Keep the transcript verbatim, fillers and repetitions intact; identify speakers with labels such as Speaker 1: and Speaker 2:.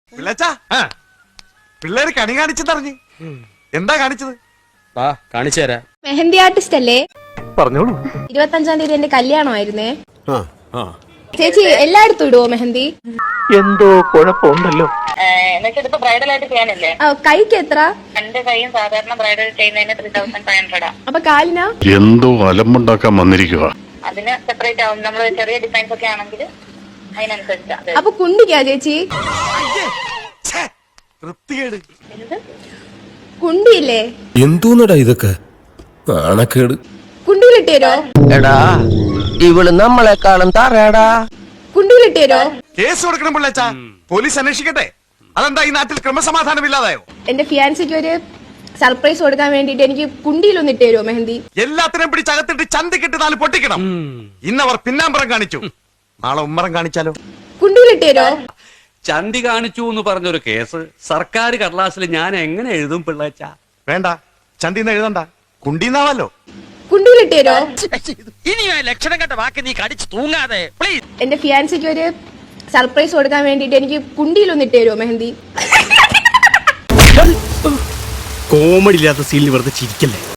Speaker 1: പിള്ളച്ചാ പിള്ളേര് കണി കാണിച്ചെന്നറിഞ്ഞ് എന്താ കാണിച്ചത്?
Speaker 2: വാ കാണിച്ചു തരാം.
Speaker 3: മെഹന്തി ആർട്ടിസ്റ്റ് അല്ലേ?
Speaker 1: പറഞ്ഞോളൂ.
Speaker 3: ഇരുപത്തഞ്ചാം തീയതി എന്റെ കല്യാണമായിരുന്നേ. ചേച്ചി എല്ലായിടത്തും ഇടുവോ മെഹന്തി?
Speaker 1: എന്തോ കുഴപ്പമുണ്ടല്ലോ.
Speaker 4: എന്നുവെച്ചിപ്പോ ബ്രൈഡൽ ആയിട്ട് ചെയ്യാനല്ലേ?
Speaker 3: ആ, കൈക്ക് എത്ര?
Speaker 4: രണ്ട് കൈയും സാധാരണ ബ്രൈഡൽ ചെയ്യുന്നതിന് ത്രീ തൗസൻഡ് ഫൈവ് ഹൺഡ്രഡാ.
Speaker 3: അപ്പൊ കാലിനാ?
Speaker 5: എന്തോ അലമ്പുണ്ടാക്കാൻ വന്നിരിക്കുക.
Speaker 4: അതിന് സെപ്പറേറ്റ് ആവും. നമ്മള് ചെറിയ ഡിസൈൻസ് ഒക്കെ ആണെങ്കിൽ അതിനനുസരിച്ചാ.
Speaker 3: അപ്പൊ കുണ്ടിക്കാ ചേച്ചി?
Speaker 1: വൃത്തികേട്.
Speaker 3: കുണ്ടിയില്ലേ?
Speaker 6: എന്തോന്നടാ ഇതൊക്കെ നാണക്കേട്.
Speaker 3: കുണ്ടിയിലിട്ടേരോ?
Speaker 7: എടാ ഇവള് നമ്മളെക്കാളും തറയടാ.
Speaker 3: കുണ്ടിയിലിട്ടേരോ?
Speaker 1: കേസ് കൊടുക്കണം പിള്ളച്ചാ. പോലീസ് അന്വേഷിക്കട്ടെ. അതെന്താ ഈ നാട്ടിൽ ക്രമസമാധാനം ഇല്ലാതായോ?
Speaker 3: എന്റെ ഫിയാൻസിക്ക് ഒരു സർപ്രൈസ് കൊടുക്കാൻ വേണ്ടിട്ട് എനിക്ക് കുണ്ടിയിലൊന്ന് ഇട്ടേരോ മെഹന്തി?
Speaker 1: എല്ലാത്തിനും പിടിച്ചകത്തിട്ട് ചന്തിക്കിട്ട് നാല് പൊട്ടിക്കണം. ഇന്നവർ പിന്നാമ്പറം കാണിച്ചു, നാളെ ഉമ്മറം കാണിച്ചാലോ?
Speaker 3: കുണ്ടിയിലിട്ടേരോ?
Speaker 2: ചന്തി കാണിച്ചു എന്ന് പറഞ്ഞൊരു കേസ് സർക്കാർ കടലാസിൽ ഞാൻ എങ്ങനെ എഴുതും പിള്ളേച്ച?
Speaker 1: വേണ്ട, ചന്തിന്ന് എഴുതണ്ട, കുണ്ടീന്നാവല്ലോ.
Speaker 3: കുണ്ടിയിലിട്ടേരോ?
Speaker 7: ഇനി ലക്ഷണം കണ്ട വാക്ക് നീ കടിച്ചു തൂങ്ങാതെ പ്ലീസ്.
Speaker 3: എന്റെ ഫിയാൻസിക്ക് ഒരു സർപ്രൈസ് കൊടുക്കാൻ വേണ്ടിട്ട് എനിക്ക് കുണ്ടിയിലൊന്ന് ഇട്ടേരോ മെഹന്തി?
Speaker 6: കോമഡി ഇല്ലാത്ത സീനിൽ വെറുതെ ചിരിക്കല്ലേ.